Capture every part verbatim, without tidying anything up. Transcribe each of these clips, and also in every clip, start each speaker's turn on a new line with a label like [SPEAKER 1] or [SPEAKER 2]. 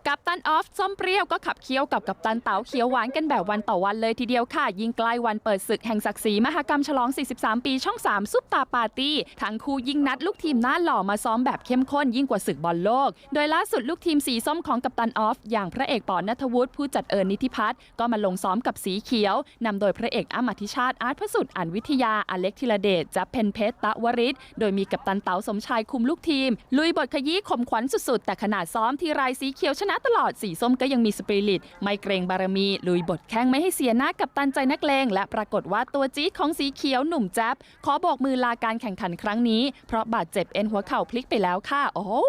[SPEAKER 1] กัปตันออฟส้มเปรี้ยวก็ขับเคี้ยวกับกัปตันเต๋าเขียวหวานกันแบบวันต่อวันเลยทีเดียวค่ะยิ่งใกล้วันเปิดศึกแห่งศักดิ์ศรีมหกรรมฉลองสี่สิบสามปีช่องสามซุปตาปาร์ตี้ทั้งคู่ยิ่งนัดลูกทีมหน้าหล่อมาซ้อมแบบเข้มข้นยิ่งกว่าศึกบอลโลกโดยล่าสุดลูกทีมสีส้มของกัปตันออฟอย่างพระเอกปอณัฐวุฒิผู้จัดเอิญนิติพัฒน์ก็มาลงซ้อมกับสีเขียวนำโดยพระเอกอ้ำอธิชาติอาร์ตพระสุดอันวิทยาอเล็กธีรเดชจับเพนเพชรตะวริศโดยมีกัปตันเต๋าสมชายคุมลูกทีมลุยบทขยี้ข่มขวัญสุดๆแต่ขนาดซ้อมทีไรสีเขียวชนะตลอดสีส้มก็ยังมีสปิริตไม่เกรงบารมีลุยบทแข้งไม่ให้เสียหน้ากับตันใจนักเลงและปรากฏว่าตัวจี๊ดของสีเขียวหนุ่มแจ๊บขอโบกมือลาการแข่งขันครั้งนี้เพราะบาดเจ็บเอ็นหัวเข่าพลิกไปแล้วค่ะโอ้โห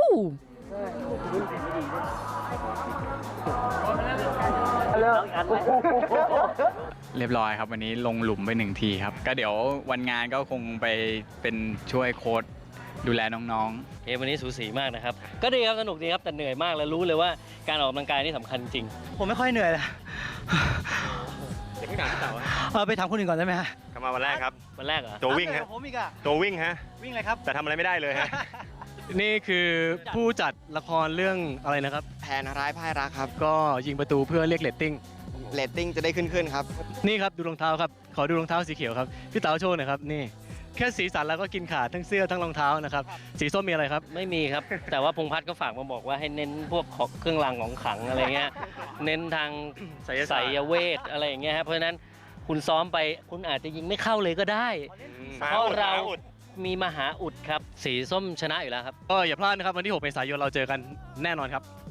[SPEAKER 2] เรียบร้อยครับวันนี้ลงหลุมไปหนึ่งทีครับก็เดี๋ยววันงานก็คงไปเป็นช่วยโค้ชดูแลน้องๆ
[SPEAKER 3] เกมวันนี้สูสีมากนะครับก็ดีครับสนุกดีครับแต่เหนื่อยมากแล้วรู้เลยว่าการออกกำลังกายนี่สำคัญจริง
[SPEAKER 4] ผมไม่ค่อยเหนื่อยเลย
[SPEAKER 5] เดี๋ยวเพิ่งถามพี่เต๋า
[SPEAKER 4] เออไปถามคนอื่นก่อนได้ไหมฮะ
[SPEAKER 5] กลับมาวันแรกครับ
[SPEAKER 3] วันแรกเหรอ
[SPEAKER 5] ตัววิ่งฮะ
[SPEAKER 4] ผมอีกอะ
[SPEAKER 5] ตัววิ่งฮะ
[SPEAKER 4] วิ่งเลยครับ
[SPEAKER 5] แต่ทำอะไรไม่ได้เลยฮะ
[SPEAKER 6] นี่คือผู้จัดละครเรื่องอะไรนะครับ
[SPEAKER 7] แผนร้ายพ่ายรักครับ
[SPEAKER 6] ก็ยิงประตูเพื่อเรียกเรตติ้ง
[SPEAKER 7] เรตติ้งจะได้ขึ้นขึ้นครับ
[SPEAKER 6] นี่ครับดูรองเท้าครับขอดูรองเท้าสีเขียวครับพี่เต๋าโชว์หน่อยครับนี่แค่สีสันแล้วก็กินขาดทั้งเสื้อทั้งรองเท้านะครับสีส้มมีอะไรครับ
[SPEAKER 3] ไม่มีครับ แต่ว่าพงษ์พัฒน์ก็ฝากมาบอกว่าให้เน้นพวกของเครื่องรางของขลังอะไรเงี้ยเน้นทางไสยเวทอะไรอย่างเงี้ยครับเพราะฉะนั้นคุณซ้อมไปคุณอาจจะยิงไม่เข้าเลยก็ได้เพราะเรามีมหาอุดครับสีส้มชนะอยู่แล้วครับ
[SPEAKER 6] ก็อย่าพลาดนะครับวันที่หกเมษายนเราเจอกันแน่นอนครับ